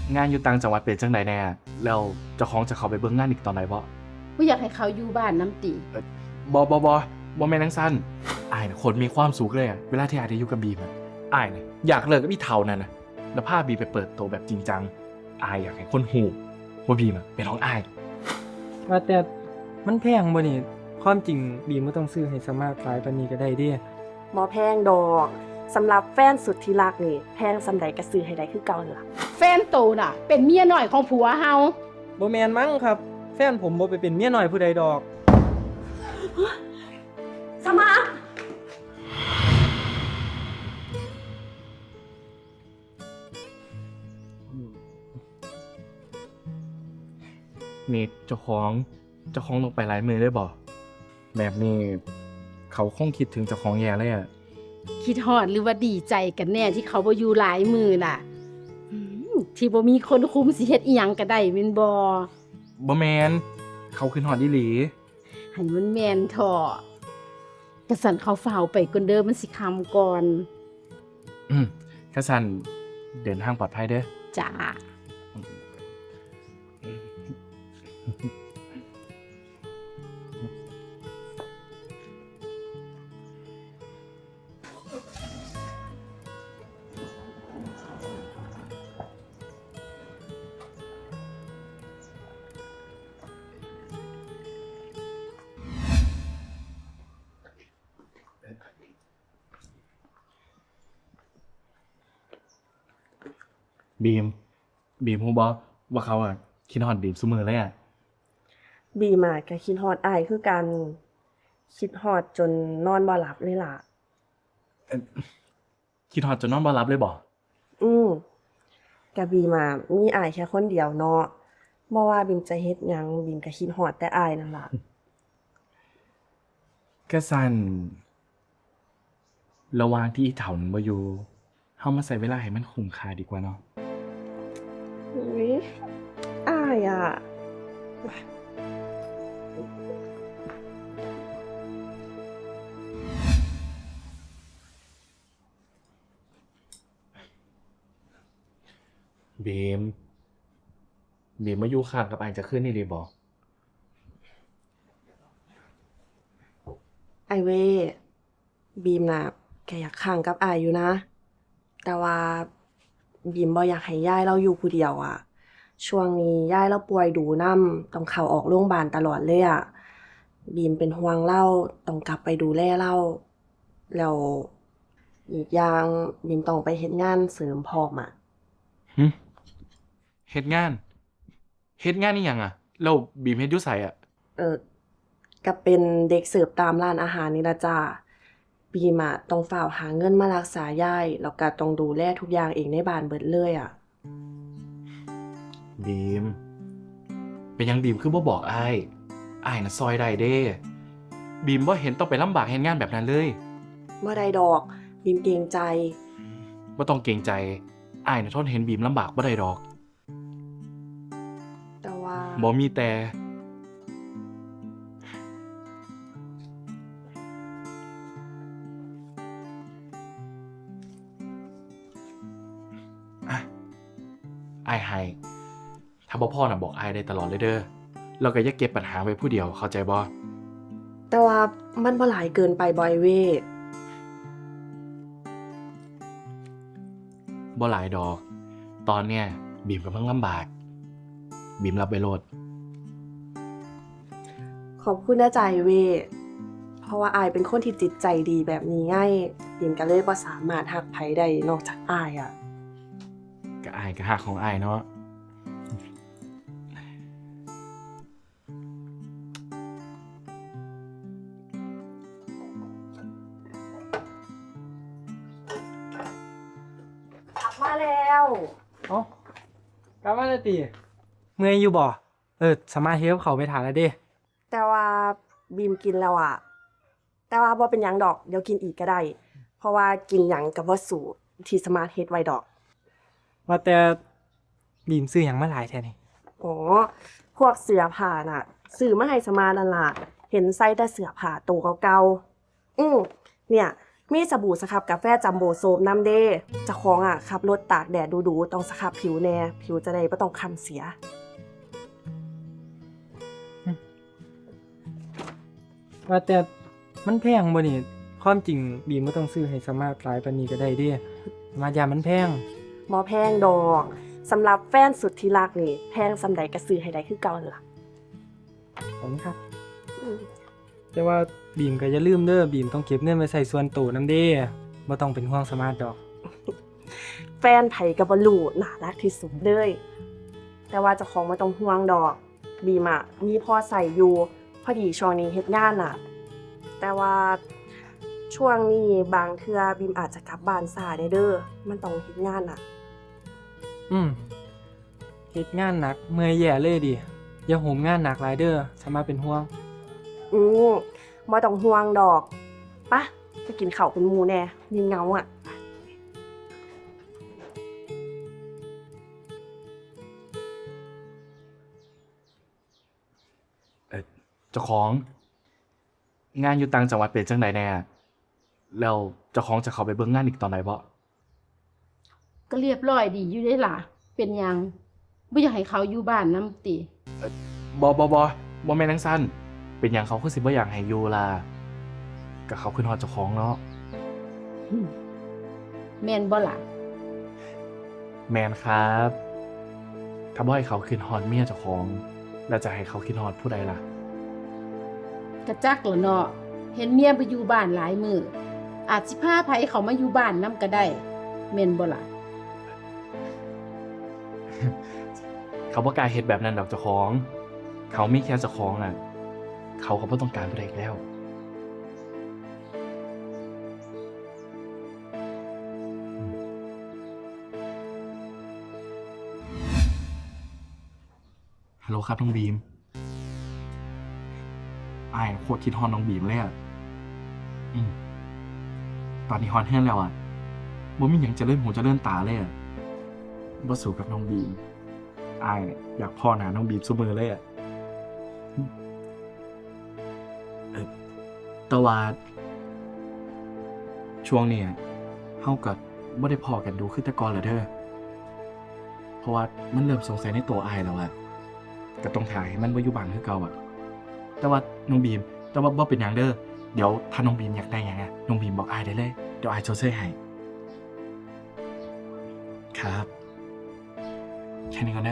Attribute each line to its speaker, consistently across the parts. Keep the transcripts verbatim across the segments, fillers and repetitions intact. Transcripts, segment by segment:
Speaker 1: งานอยู่ต่างจังหวัดเป็นจังใดแน่แล้วเจ้าของจะเข้าไปเบิ่งงานอีกตอนไหนบ่
Speaker 2: บ่อยากให้เขาอยู่บ้านน้ำติ
Speaker 1: บ่บ่บ่บ่แม่นจังซั่นอ้ายน่ะคนมีความสุขเลยอะเวลาที่อ้ายได้อยู่กับบีมอะอ้ายน่ะอยากเลิกกับอีเฒ่านั่นน่ะแล้วพาบีมไปเปิดโตแบบจริงจังอ้ายอยากให้คนฮู้ว่าบีมอะเป็นของอ้าย
Speaker 3: ว่าแต่มันแพงบ่นี่ความจริงบีมบ่ต้องซื้อให้สมาร์ทหลายปานนี้ก็ได้เด้
Speaker 4: บ่แพงดอกสำหรับแฟนสุดที่รักนี่แพงสำใดก็ซื้อให้ได้คือเก่านั่นล่ะ
Speaker 2: แฟนโตน่ะ เป็นเมียน้อยของผัวเฮา
Speaker 3: บ่แม่นมั้งครับแฟนผมบ่ไปเป็นเมียน้อยผู้ใดดอก
Speaker 4: สมาร์ท
Speaker 1: นี่เจ้าของเจ้าของลงไปหลายมือได้บ่แบบนี้เขาคงคิดถึงเจ้าของแย่เลยอะ
Speaker 2: คิดฮอดหรือว่าดีใจกันแน่ที่เขาบ่อยู่หลายมือน่ะอืมที่บ่มีคนคุมสิเฮ็ดอีหยังก็ได้แม่นบ่
Speaker 1: บ่แม่นเขาขึ้นฮอดอีหลี
Speaker 2: ให้มันแม่นเถาะกะสั่นเขาฝ้าวไปก่อนเด้อมันสิค่ำก่อน
Speaker 1: อืมกะสั่นเดินทางปลอดภัยเด้อ
Speaker 2: จ้า
Speaker 1: บีมบีมฮู้บ่ว่าเขาอ่ะคิดฮอดบีมซุมื้อเลยอ่ะ
Speaker 4: บีมอะก็คิดฮอดอ้ายคือกันคิดฮอดจนนอนบ่หลับเลยล่ะ
Speaker 1: คิดฮอดจนนอนบ่หลับเลยบ่
Speaker 4: อืมกะบีมอะมีอ้ายแค่คนเดียวเนาะบ่ว่าบีมจะเฮ็ดหยังบีมก็คิดฮอดแต่อ้ายนั่นล่ะ
Speaker 1: กะสั่นระหว่างที่อีเฒ่านั้นบ่อยู่เฮามาใช้เวลาให้มันคุ้มค่าดีกว่าเนาะ
Speaker 4: อุ๊ยอ้ายอะ
Speaker 1: บีมบีมมาอยู่ข้างกับอ้ายจะคืนนี้ได้บ่
Speaker 4: ไอ้เว้บีมน่ะก็อยากค้างกับอ้ายอยู่นะ แต่ว่าบีมบ่อยากให้ยายเราอยู่ผู้เดียวอะช่วงนี้ยายเราป่วยดูนำต้องเข้าออกโรงบาลตลอดเลยอะบีมเป็นห่วงเลาต้องกลับไปดูแลเลาแล้วอีกอย่างบีมต้องไปเฮ็ดงานเสริมพร้อมอะ
Speaker 1: หึเฮ็ดงานเฮ็ดงานอีหยังอะแล้วบีมเฮ็ดอยู่ไสอะ
Speaker 4: เอ่อก็เป็นเด็กเสิร์ฟตามร้านอาหารนี่ล่ะจ้าบีมอะต้องฟ้าวหาเงินมารักษายายแล้วก็ต้องดูแลทุกอย่างเองในบ้านเบิดเลยอะ
Speaker 1: บีมเป็นหยังบีมคือบ่บอกอ้ายอ้ายน่ะซอยได้เด้บีมบ่เห็นต้องไปลำบากเฮ็ดงานแบบนั้นเลย
Speaker 4: บ่ได้ดอกบีมเกรงใจ
Speaker 1: บ่ต้องเกรงใจอ้ายน่ะทนเห็นบีมลำบากบ่ได้ดอก
Speaker 4: แต่ว่า
Speaker 1: บ่มีแต่อะอ้ายให้ถ้าบ่พอน่ะบอกอ้ายได้ตลอดเลยเด้อแล้วก็อย่าเก็บปัญหาไว้ผู้เดียวเข้าใจบ่
Speaker 4: แต่ว่ามันบ่หลายเกินไปบ่อยเว้
Speaker 1: บ่หลายดอก ตอนเนี้ยบีมกำลังลำบาก บีมรับไว้โลด
Speaker 4: ขอบคุณนะใจเว้เพราะว่าอายเป็นคนที่จิตใจดีแบบนี้ไงบีมก็เลยบ่สามารถฮักไผได้นอกจากอายอะ
Speaker 1: ก็อ้ายก็ฮักของอ้ายเนาะ
Speaker 4: กลับมาแล้ว
Speaker 3: เอ้ากลับมาแล้วติเมื่อยอยู่บ่เออสามารถเฮ็ดกับข้าวไปทานแล้วเด้
Speaker 4: แต่ว่าบีมกินแล้วอะแต่ว่าบ่เป็นหยังดอกเดี๋ยวกินอีกก็ได้เพราะว่ากินหยังก็บ่สู้ที่สมาร์ทเฮ็ดไว้ดอก
Speaker 3: ว่าแต่บีมซื้อหยังมาหลายแท้นี่
Speaker 4: อ๋อพวกเสื้อผ้าน่ะซื้อมาให้สมาร์ทนั่นล่ะเห็นใส่แต่เสื้อผ้าตัวเก่าๆอือเนี่ยมีสบู่สครับกาแฟจัมโบ้โซมน้ำเด้เจ้าของอ่ะขับรถตากแดดดูๆต้องสครับผิวแน่ผิวจะได้บ่ต้องคล้ำเสีย
Speaker 3: ว่าแต่มันแพงบ่นี่ความจริงบีมบ่ต้องซื้อให้สมาร์ทหลายปานนี้ก็ได้เด้สมาร์ทยามมันแพง
Speaker 4: บ่แพงดอกสำหรับแฟนสุดที่รักนี่แพงสำใดก็ซื้อให้ได้คือเก่านั่นล่ะ
Speaker 3: ขอบคุณครับ
Speaker 4: อืม
Speaker 3: แต่ว่าบีมก็อย่าลืมเด้อบีมต้องเก็บเงินไว้ใส่ส่วนตัวนำเด้บ่ต้องเป็นห่วงสมาร์ทดอก
Speaker 4: แฟนไผก็บ่รู้น่ารักที่สุดเลยแต่ว่าเจ้าของบ่ต้องห่วงดอกบีมอ่ะมีพอใส่อยู่พอดีช่วงนี้เฮ็ดงานน่ะ แต่ว่าช่วงนี้บางเทื่อบีมอาจจะกลับบ้านช้าได้เด้อมันต้องเฮ็ดงานน่ะ
Speaker 3: อืมเฮ็ดงานหนักเมื่อยแย่เลยดิอย่าโหมงานหนักหลายเด้อสมาร์ทเป็นห่วง
Speaker 4: อืมบ่ต้องห่วงดอกปะไปกินข้าวเป็นหมู่แน่มีเหงาอ่ะ
Speaker 1: เออเจ้าของงานอยู่ต่างจังหวัดเป็นจังใดแน่แล้วเจ้าของจะเข้าไปเบิ่งงานอีกตอนไหนบ่
Speaker 2: ก็เรียบร้อยดีอยู่ได้ล่ะ เป็นหยังบ่อยากให้เขาอยู่บ้านนำติ
Speaker 1: บ่บ่บ่บ่แม่นจังซั่นเป็นหยังเขาคือสิบ่อยากให้อยู่ล่ะก็เขาขึ้นฮอดเจ้าของเนาะ
Speaker 2: หึแม่นบ่ล่ะ
Speaker 1: แม่นครับ ถ้าบ่ให้เขาขึ้นฮอดเมียเจ้าของ แล้วจะให้เขาขึ้นฮอดผู้ใดล่ะ
Speaker 2: กระจักแล้วเนาะเห็นเมียไปอยู่บ้านหลายมื้ออาจสิพาไผเขามาอยู่บ้านนำก็ได้แม่นบ่ล่ะ
Speaker 1: เขาบ่กล้าเฮ็ดแบบนั้นดอกเจ้าของ เขามีแค่เจ้าของอ่ะ เขาก็บ่ต้องการผู้ใดอีกแล้วฮัลโหลครับน้องบีมอ้ายโคตรคิดฮอดน้องบีมเลยอ่ะอืมตอนนี้ฮอดแห้งแล้วอ่ะบ่มีหยังจะเล่นหูจะเล่นตาเลยอ่ะบ่สู้กับน้องบีมอ้ายเนี่ยอยากพ่อหน้าน้องบีมซุมื้อเลยอ่ะอืมเออแต่ว่าช่วงนี้อะเฮาก็บ่ได้พ้อกันดูคือแต่ก่อนแล้วเด้อเพราะว่ามันเริ่มสงสัยในตัวอ้ายแล้วอ่ะก็ต้องถ่ายให้มันบ่อยู่บ้านคือเก่าอ่ะ แต่ว่าน้องบีมแต่ว่าบ่เป็นหยังเด้อเดี๋ยวถ้าน้องบีมอยากได้หยังอ่ะน้องบีมบอกอ้ายได้เลยเดี๋ยวอ้ายชดเชยให้ครับแค่นี้ก่อนนะ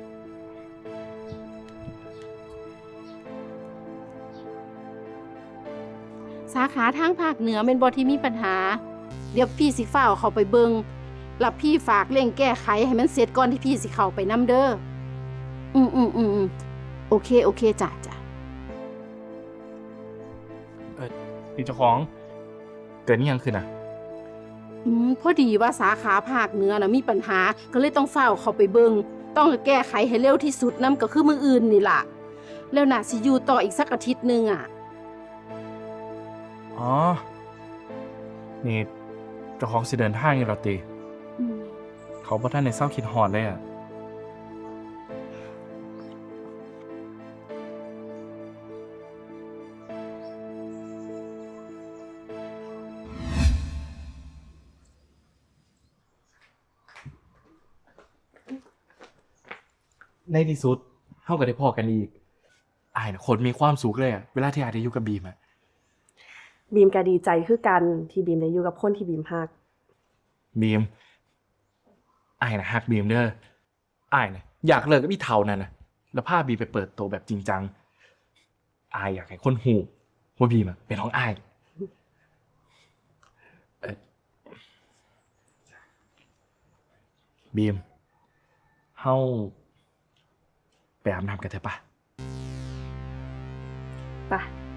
Speaker 2: สาขาทางภาคเหนือเป็นบ่ที่มีปัญหา เดี๋ยวพี่สิฟ้าวเข้าไปเบิงแล้วพี่ฝากเร่งแก้ไขให้มันเสร็จก่อนที่พี่สิเข้าไปนำเด้ออืมอืมอืมอืมโอเคโอเคจ้ะจ้ะ
Speaker 1: เออพี่เจ้าของเกิดนี่ยังขึ้นอ่ะ
Speaker 2: อืมพอดีว่าสาขาภาคเหนือนะมีปัญหาก็เลยต้องเฝ้าวเข้าไปเบิงต้องแก้ไขให้เร็วที่สุดนํก็คือมืออื่นนี่ล่ะ แล้วน่ะสิอยู่ต่ออีกสักอาทิตย์หนึงอ่ะ
Speaker 1: อ๋อนี่เจ้าของสิเดินทางอยู่แล้วติ
Speaker 2: อืม
Speaker 1: เขาบ่ทันได้เศร้าคิดฮอดเลยอ่ะในที่สุดเฮาก็ได้พอกันอีกอ้ายน่ะคนมีความสุขเลยอ่ะเวลาที่อ้ายได้อยู่กับบีมอ่ะ
Speaker 4: บีมก็ดีใจคือกันที่บีมได้อยู่กับคนที่บีมฮัก
Speaker 1: บีมอ้ายน่ะฮักบีมเด้ออ้ายน่ะอยากเลิกกับอีเฒ่านั่นน่ะแล้วพาบีมไปเปิดโตแบบจริงจังอ้ายอยากให้คนฮู้ว่าบีมอะเป็นของอ้ายเอ่อบีมเฮาไปอาบน้ำกันเถอะปะ
Speaker 4: ไป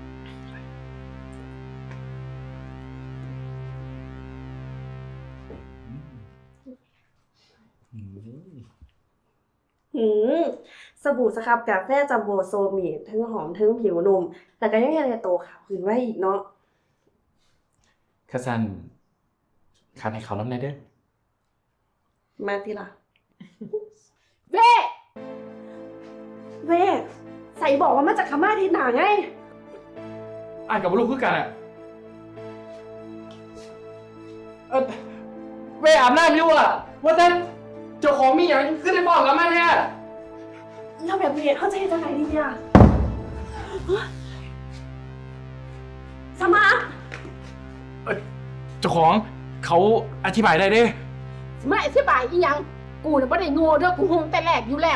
Speaker 4: หืมสบู่สครับกาแฟจัมโบ้โซมีทั้งหอมทั้งผิวนุ่มแล้วก็ยังเฮ็ดให้โตขาวขึ้นไว้อีกเนาะ
Speaker 1: ข้าสันคันให้เขาน้ำในเด้อ
Speaker 4: มาติล่ะ
Speaker 2: เว้
Speaker 4: เว้ใส่บอกว่ามาจากขม่าที่หนาไง
Speaker 1: อ่านกับลูกคือกันอ่ะอาบน้ำอยู่อ่ะว่าแต่เจ้าของมีอย่างขึ้นในบอกกับมาเนี่ย
Speaker 4: แล้วแบบนี้เขาจะเฮ็ดจังไงดีเนี่ยสมาร์ท
Speaker 1: เจ้าของเขาอธิบายได้เด้
Speaker 2: ไม่อธิบายอีหยังกูน่ะบ่ได้โง่เด้อกูฮู้แต่แรกอยู่แล้ว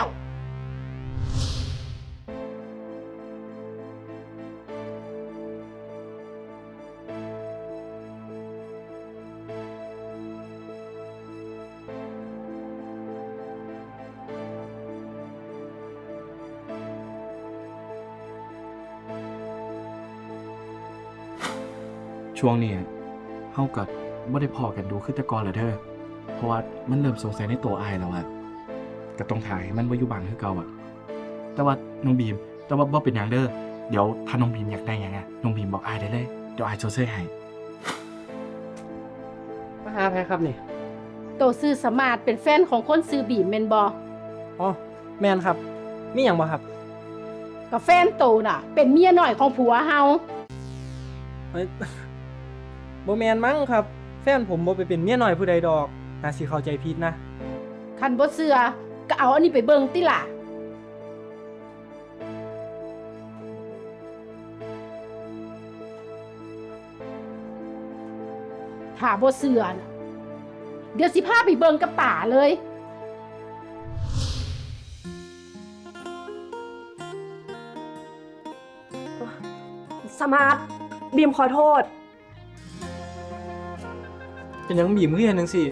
Speaker 1: ช่วงนี้เฮากับไม่ได้พอกันดูขึ้นแต่ก่อนเลยเธอเพราะว่ามันเริ่มสงสัยในตัวอายแล้วอะก็ต้องถ่ายให้มันว่าอยู่บางคือเก่าอะแต่ว่าน้องบีมแต่ว่าบ่เป็นอย่างเด้อเดี๋ยวถ้าน้องบีมอยากได้หยังอะน้องบีมบอกอายได้เลยเดี๋ยวอายโชว์เสื้อให้
Speaker 3: มาหาไผครับนี่
Speaker 2: โตซื้อสมาร์ทเป็นแฟนของคนซื้อบีมแม่นบ่
Speaker 3: อ๋อแม่นครับ มีหยังบ่ครับ
Speaker 2: กับแฟนโตน่ะ เป็นเมียน้อยของผัวเฮา
Speaker 3: เฮ้ย บ่แม่นมั้งครับ แฟนผมบ่ไปเป็นเมียน้อยผู้ใดดอกน่าสิเข้าใจผิดนะ
Speaker 2: คันบ่เชื่อก็เอาอันนี้ไปเบิ่งติล่ะถ้าบ่เชื่อน่ะเดี๋ยวสิพาไปเบิ่งกับตาเลย
Speaker 4: สมาร์ทบีมขอโทษ
Speaker 3: เป็นหยังบีมคือเฮ็ดจังซี่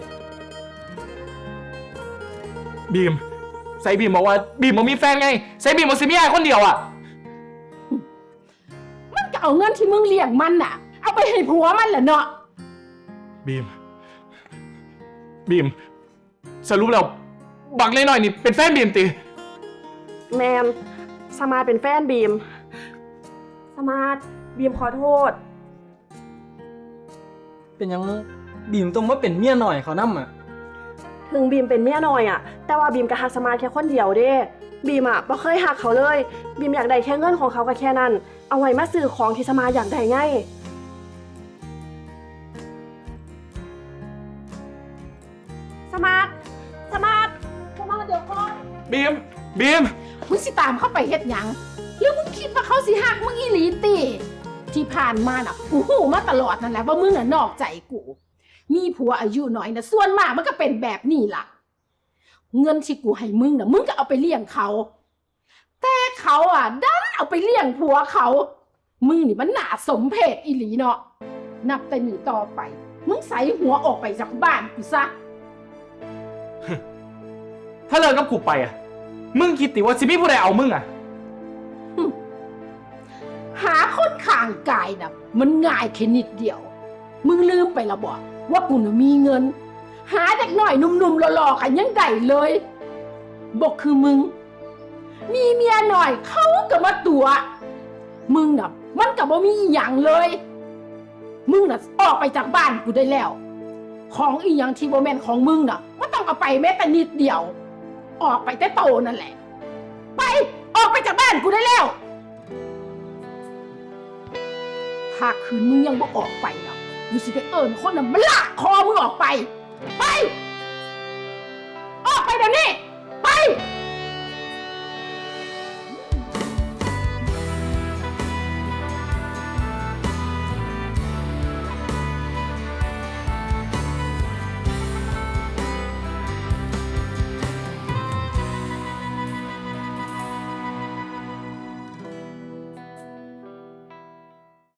Speaker 1: บีมใส่บีมบอกว่าบีมบ่มีแฟนไงใส่บีมบ่สิมีอายคนเดียวอะ
Speaker 2: มันก็เอาเงินที่มึงเลี้ยงมันน่ะ เอาไปให้ผัวมันแหละเนาะ
Speaker 1: บีมบีมสรุปแล้วบักเล็กน้อยนี่เป็นแฟนบีมติ
Speaker 4: แมนสมาร์ทเป็นแฟนบีม สมาร์ทบีมขอโทษ
Speaker 3: เป็นหยังบีมต้องมาเป็นเมียน้อยเขานำอ่ะ
Speaker 4: ถึงบีมเป็นเมียน้อยอะแต่ว่าบีมก็หักสมาร์ทแค่คนเดียวเด้ บีมอะบ่เคยหักเขาเลย บีมอยากได้แค่เงินของเขาก็แค่นั้น เอาไว้มาซื้อของที่สมาร์ทอยากได้ไง สมาร์ท สมาร์ท สมาร์ทเดี๋ยวก่อน
Speaker 1: บีมบีม
Speaker 2: มึงสิตามเข้าไปเฮ็ดหยังหรือมึงคิดว่าเขาสิหักมึงอีหลีติที่ผ่านมาน่ะกูหูมาตลอดนั่นแหละว่ามึงน่ะนอกใจกู มีผัวอายุน้อยน่ะส่วนมากมันก็เป็นแบบนี้ล่ะ เงินที่กูให้มึงน่ะมึงก็เอาไปเลี้ยงเขา แต่เขาอ่ะดันเอาไปเลี้ยงผัวเขา มึงนี่มันน่าสมเพชอีหลีเนาะนับแต่นี้ต่อไป มึงใส่หัวออกไปจากบ้านกูซะ
Speaker 1: ถ้าเลิกกับกูไปอะมึงคิดติว่าสิมีผู้ใดเอามึงอะ
Speaker 2: หาคนข้างกายน่ะ มันง่ายแค่นิดเดียว มึงลืมไปและบ่ว่ากูน่ะมีเงิน หาเด็กหน่อยหนุ่มๆหล่อๆกันยังได้เลยบอกคือมึง มีเมียหน่อยเขาก็มาตัว มึงน่ะ มันก็บ่มีอีหยังเลย มึงน่ะออกไปจากบ้านกูได้แล้ว ของอีหยังที่บ่แม่นของมึงน่ะก็ต้องเอาไปแม้แต่นิดเดียว ออกไปแต่โตนั่นแหละ ไปออกไปจากบ้านกูได้แล้ว ถ้าคืนมึงยังบ่ออกไปนะมึงสิไปเอิญคนน่ะมันลากคอมึงออกไป ไป ออกไปเดี๋ยวนี้